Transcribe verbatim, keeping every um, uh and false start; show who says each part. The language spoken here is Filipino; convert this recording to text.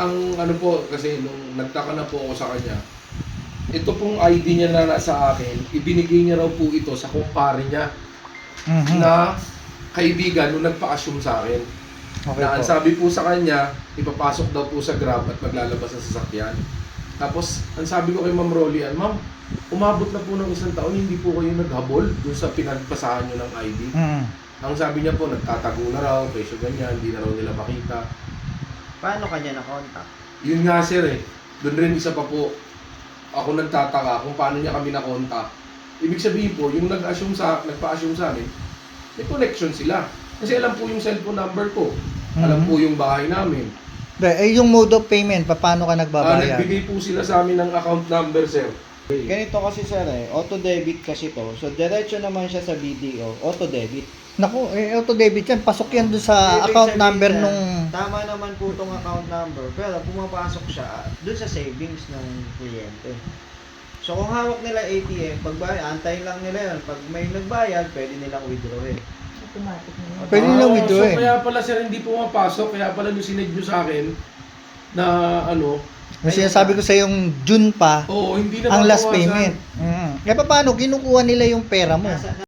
Speaker 1: ang ano po, kasi nung nagtaka na po ako sa kanya, ito pong I D niya na nasa akin, ibinigay niya raw po ito sa kumpare niya
Speaker 2: Mhm.
Speaker 1: na kaibigan nung nagpa-assume sa akin.
Speaker 2: Okay
Speaker 1: Na ang
Speaker 2: po.
Speaker 1: sabi po sa kanya, ipapasok daw po sa Grab at maglalabas sa sasakyan. Tapos, ang sabi ko kay Ma'am Rolian, Ma'am, umabot na po ng isang taon, hindi po kayo naghabol dun sa pinagpasahan nyo ng I D.
Speaker 2: Mhm.
Speaker 1: Ang sabi niya po, nagtatago na raw, presyo ganyan, hindi na raw nila makita.
Speaker 3: Paano kanya na-contact?
Speaker 1: Yun nga sir eh, doon rin isa pa po, ako nagtataka kung paano niya kami na-contact. Ibig sabihin po, yung nag-assume sa, nagpa-assume sa amin, may connection sila. Kasi alam po yung cellphone number ko, alam
Speaker 2: Mhm.
Speaker 1: po yung bahay namin.
Speaker 2: De, eh, yung mode of payment, paano ka
Speaker 1: Ah,
Speaker 2: nagbabayad?
Speaker 1: nagbigay po sila sa amin ng account number sir.
Speaker 3: Ganito kasi sir eh, auto-debit kasi to. So, diretso naman siya sa B D O, auto-debit.
Speaker 2: Naku, eh, auto-debit yan. Pasok yan doon sa
Speaker 3: Ibig
Speaker 2: account
Speaker 3: sabihin
Speaker 2: number
Speaker 3: yan,
Speaker 2: nung...
Speaker 3: Tama naman po itong account number, pero pumapasok siya doon sa savings ng kliyente. So, kung hawak nila A T M, pag antayin lang nila yun. Pag may nagbayad, pwede nilang withdrawin.
Speaker 4: Automatic na yun.
Speaker 2: Pwede nilang
Speaker 1: Ah,
Speaker 2: withdraw eh.
Speaker 1: So kaya pala sir, hindi pumapasok, kaya pala yung sinend nyo sa akin na ano,
Speaker 2: Yung sinasabi ko sa yung June pa,
Speaker 1: oo, hindi na
Speaker 2: ang last
Speaker 1: mabawasan.
Speaker 2: payment. Mm. Eh, paano? Kinukuha nila yung pera mo.
Speaker 3: Nasa,